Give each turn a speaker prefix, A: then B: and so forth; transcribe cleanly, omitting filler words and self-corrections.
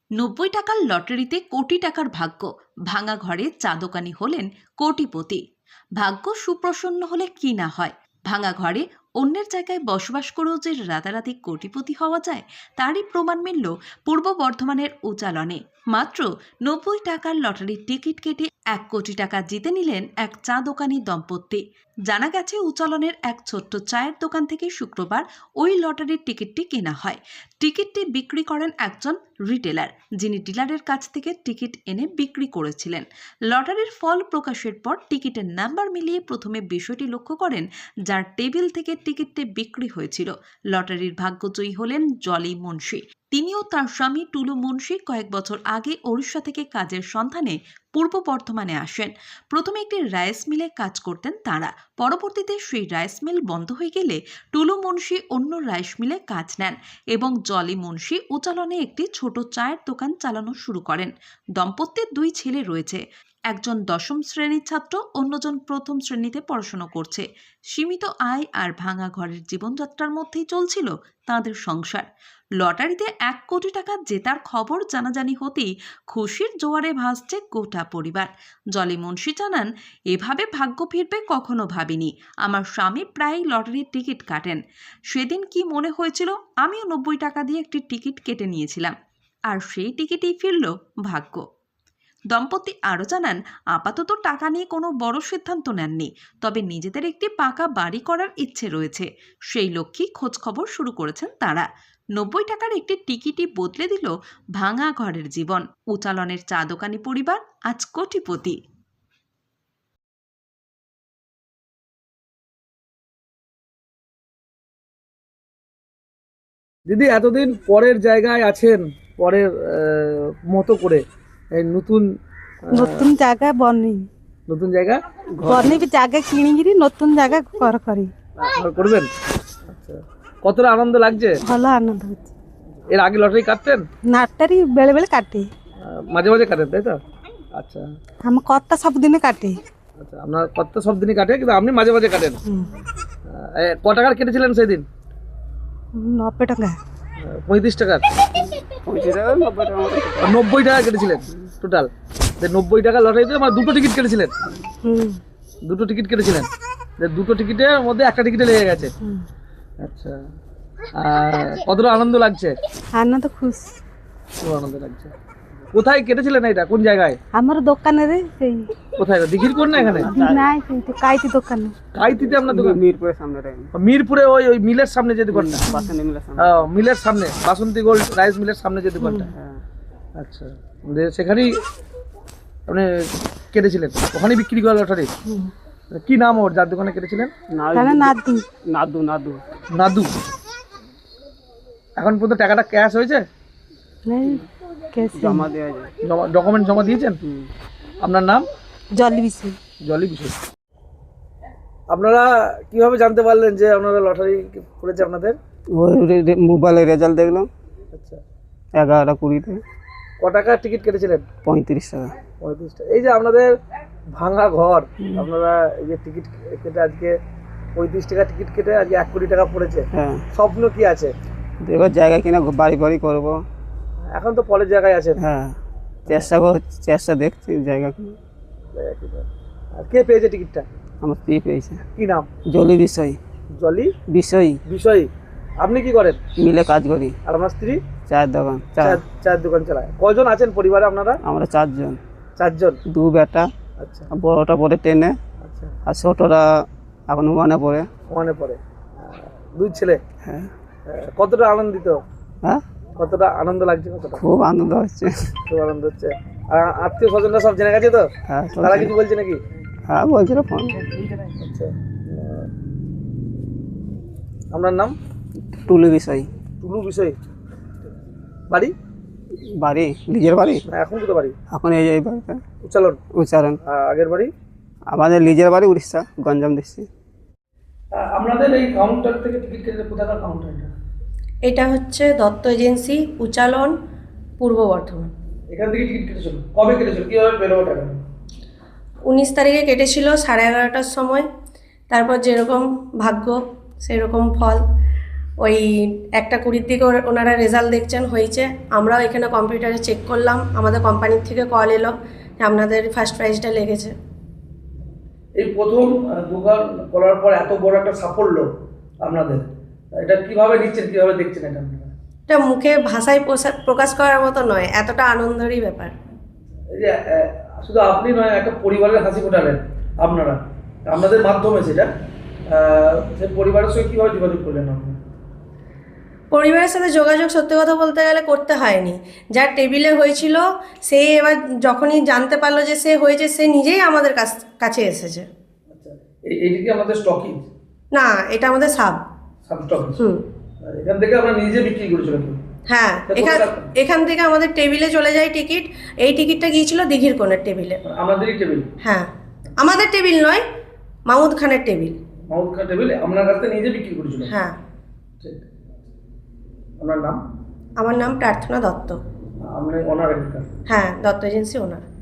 A: 90 টাকার লটারিতে কোটি টাকার ভাগ্য, ভাঙা ঘরে চা দোকানি হলেন কোটিপতি। ভাগ্য সুপ্রসন্ন হলে কি না হয়, ভাঙা ঘরে অন্যের জায়গায় বসবাস করেও যে রাতারাতি কোটিপতি হওয়া যায়, তারই প্রমাণ মিলল পূর্ব বর্ধমানের উচালনে। মাত্র 90 টাকার লটারির টিকিট কেটে 1 কোটি টাকা জিতে নিলেন এক চা দোকানি দম্পতি। জানা গেছে, উচালনের এক ছোট্ট চায়ের দোকান থেকে শুক্রবার ওই লটারির টিকিটটি কেনা হয়। টিকিটটি বিক্রি করেন একজন রিটেলার, যিনি ডিলারের কাছ থেকে টিকিট এনে বিক্রি করেছিলেন। লটারির ফল প্রকাশের পর টিকিটের নাম্বার মিলিয়ে প্রথমে বিষয়টি লক্ষ্য করেন যার টেবিল থেকে টিকিটটি বিক্রি হয়েছিল। লটারির ভাগ্যজয়ী হলেন জলি মুন্সি। তিনিও তার স্বামী টুলু মুন্সি কয়েক বছর আগে ওড়িশা থেকে কাজের সন্ধানে পূর্ব বর্ধমানে আসেন। প্রথমে একটি রাইস মিলে কাজ করতেন তাঁরা। পরবর্তীতে সেই রাইস মিল বন্ধ হয়ে গেলে টুলু মুন্সি অন্য রাইস মিলে কাজ নেন এবং জলি মুন্সি উচালনে একটি ছোট চায়ের দোকান চালানো শুরু করেন। দম্পতির 2 ছেলে রয়েছে, একজন 10ম শ্রেণীর ছাত্র, অন্যজন 1ম শ্রেণীতে পড়াশোনা করছে। সীমিত আয় আর ভাঙা ঘরের জীবনযাত্রার মধ্যেই চলছিল তাঁদের সংসার। লটারিতে 1 কোটি টাকা জেতার খবর জানাজানি হতেই খুশির জোয়ারে ভাসছে গোটা পরিবার। জলি মুন্সি জানান, এভাবে ভাগ্য ফিরবে কখনো ভাবিনি। আমার স্বামী প্রায় লটারির টিকিট কাটেন। সেদিন কি মনে হয়েছিল, আমিও 90 টাকা দিয়ে একটি টিকিট কেটে নিয়েছিলাম, আর সেই টিকিটেই ফিরল ভাগ্য। দম্পতি আরও জানান, আপাতত টাকা নিয়ে কোনো বড় সিদ্ধান্ত নেননি, তবে নিজেদের একটি পাকা বাড়ি করার ইচ্ছে রয়েছে। সেই লক্ষ্যেই খোঁজখবর শুরু করেছেন তারা। 90 টাকার একটি টিকিটই বদলে দিল ভাঙা ঘরের জীবন। উচালনের চা দোকানি পরিবার আজ কোটিপতি।
B: দিদি, এতদিন পরের জায়গায় আছেন, পরের মতো করে এই নতুন
C: নতুন জায়গা বনি
B: নতুন জায়গা
C: বনি জায়গা কিনিকিরি নতুন জায়গা করি
B: ঘর করবেন। আচ্ছা, কতটা আনন্দ লাগছে?
C: ভালো আনন্দ হচ্ছে।
B: এর আগে লটারি কাটতেন?
C: নাটটারি বেলে বেলে কাটে,
B: মাঝে মাঝে কাটেন, তাই তো? আচ্ছা
C: আমার কর্তা সবদিনে কাটে।
B: আচ্ছা, আপনার কত সব দিনই কাটে, কিন্তু আপনি মাঝে মাঝে কাটেন। ক টাকার কেটেছিলেন সেদিন?
C: 90 টাকা।
B: 35 টাকার? 90 টাকা কেটেছিলেন টোটাল। 90 টাকা লটারিতে আমার 2টো টিকিট কেটেছিলেন। 2টো টিকিট কেটেছিলেন, 2টো টিকিটের মধ্যে একটা টিকিটে লেগে গেছে। আচ্ছা, কতটা আনন্দ লাগছে?
C: আনন্দ খুশ,
B: খুব আনন্দ লাগছে। কোথায় কেটেছিলেন এটা, কোন জায়গায়?
C: আমার দোকানে রে সেই
B: কোথায়, দিঘির কোন না এখানে?
C: নাই সেই তো কাইতি দোকানে।
B: কাইতিতে আপনার দোকান? মিরপুরের সামনে। মিরপুরে ওই ওই মিলের সামনে যে দোকানটা? মিলের সামনে, বাসন্তী গোল্ড রাইস মিলের সামনে যে দোকানটা। আচ্ছা, সেখানেই আপনি কেটেছিলেন, ওখানেই বিক্রি করা লটারি? কি নাম ওর, যার দোকানে কেটেছিলেন?
C: নাদু
B: নাদু। নাদু নাদু। এখন পর্যন্ত টাকাটা ক্যাশ হয়েছে?
C: জমা দেওয়া যায়,
B: ডকুমেন্ট জমা দিয়েছেন? আপনার নাম?
C: জলি বিষয়।
B: জলি বিষয়। আপনারা কিভাবে জানতে পারলেন যে আপনারা লটারি পড়েছে আপনাদের?
D: ওই মোবাইলে রেজাল্ট দেখলাম।
B: আচ্ছা,
D: 11:20-তে।
B: ক টাকার টিকিট কেটেছিলেন?
D: 35 টাকা।
B: 35 টাকা। এই যে আপনাদের ভাঙা ঘর, আপনারা এই যে টিকিট কেটে আজকে 35 টাকা টিকিট কেটে আজকে 1 কোটি টাকা পড়েছে,
D: হ্যাঁ।
B: স্বপ্ন কি আছে?
D: এবার জায়গা কিনা বাড়ি বাড়ি করবো।
B: এখন তো পরের জায়গায় আছেন।
D: হ্যাঁ, চেষ্টা দেখছি জায়গা কিনা।
B: আর কে পেয়েছে টিকিটটা?
D: আমার স্ত্রী পেয়েছে।
B: কি নাম?
D: জলি বিষয়।
B: জলি
D: বিষয়।
B: বিষয়। আপনি কি করেন?
D: মিলে কাজ করি।
B: আর আমার স্ত্রী?
D: চায়ের দোকান।
B: চায়ের দোকান চালায়। কয়জন আছেন পরিবারে আপনারা?
D: আমরা 4 জন।
B: 4 জন।
D: 2 বেটা।
B: আচ্ছা,
D: বড়টা পড়ে 10-এ।
B: আচ্ছা,
D: আর ছোটরা এখন 1-এ পড়ে।
B: ওখানে পড়ে। 2 ছেলে।
D: হ্যাঁ।
B: কতটা আনন্দিত?
D: হ্যাঁ,
B: কতটা আনন্দ লাগছে? কতটা
D: খুব আনন্দ হচ্ছে।
B: খুব আনন্দ হচ্ছে। আর আত্মীয় স্বজনরা সব জেনে গেছে তো?
D: হ্যাঁ,
B: তারা কিছু বলছে নাকি?
D: হ্যাঁ বলছিল ফোন।
B: আচ্ছা, আপনার নাম?
D: টুলু বিষয়।
B: টুলু বিষয়। বাড়ি?
D: বাড়ি লিজের বাড়ি।
B: এখন কোথায় বাড়ি?
D: এখন এই বাড়িটা
B: উচ্চালন।
D: উচ্চারণ।
B: আগের বাড়ি?
D: আমাদের লিজের বাড়ি উড়িষ্যা, গঞ্জাম ডিস্ট্রিক্ট।
B: আপনাদের এই কাউন্টার থেকে টিকিট কেটে কোথাকার কাউন্টার এটা?
E: এটা হচ্ছে দত্ত এজেন্সি, উচালন, পূর্ব বর্ধমান।
B: এখান থেকে টিকিট কেটেছিল? কবে কেটেছিল, কিভাবে পেলো টাকা?
E: 19 তারিখে কেটেছিল 11:30টার সময়। তারপর যেরকম ভাগ্য সেরকম ফল। ওই 1:20 দিকে ওনারা রেজাল্ট দেখছেন হয়েছে। আমরাও এখানে কম্পিউটারে চেক করলাম, আমাদের কোম্পানির থেকে কল এলো যে আপনাদের ফার্স্ট প্রাইজটা লেগেছে।
B: এই প্রথম দোকান করার পর এত বড় একটা সাফল্য আপনাদের, এটা কিভাবে নিচ্ছেন, কিভাবে দেখছেন এটা আপনারা?
E: এটা মুখে ভাষায় প্রকাশ করার মতো নয়, এতটা আনন্দেরই ব্যাপার।
B: এই যে শুধু আপনি নয়, একটা পরিবারের হাসি ফোটালেন আপনারা, আপনাদের মাধ্যমে সেটা সেই পরিবারের সঙ্গে কীভাবে যোগাযোগ করলেন আপনারা?
E: পরিবারের সাথে যোগাযোগ সত্যি কথা বলতে গেলে করতে হয়নি। যার টেবিলে হয়েছিল সে এবার যখনই জানতে পারলো যে সে হয়েছে, সে নিজেই আমাদের কাছে এসেছে।
B: আচ্ছা, এইটা কি আমাদের স্টকিং?
E: না, এটা আমাদের সাব
B: স্টকিং।
E: হুম
B: এখান থেকে আমরা নিজে বিক্রি করেছিলাম।
E: হ্যাঁ, এখান থেকে আমাদের টেবিলে চলে যায় টিকিট। এই টিকিটটা গিয়েছিল দিঘির কোণের টেবিলে।
B: আমাদেরই টেবিল?
E: হ্যাঁ, আমাদের টেবিল নয়, মাহমুদ খানের টেবিল।
B: মাহমুদ খান টেবিল আপনার কাছ থেকে নিজে বিক্রি করেছিলেন?
E: হ্যাঁ।
B: ঠিক। আপনার নাম?
E: আমার নাম প্রার্থনা দত্ত।
B: আপনি ওনার?
E: হ্যাঁ, দত্ত এজেন্সি ওনার।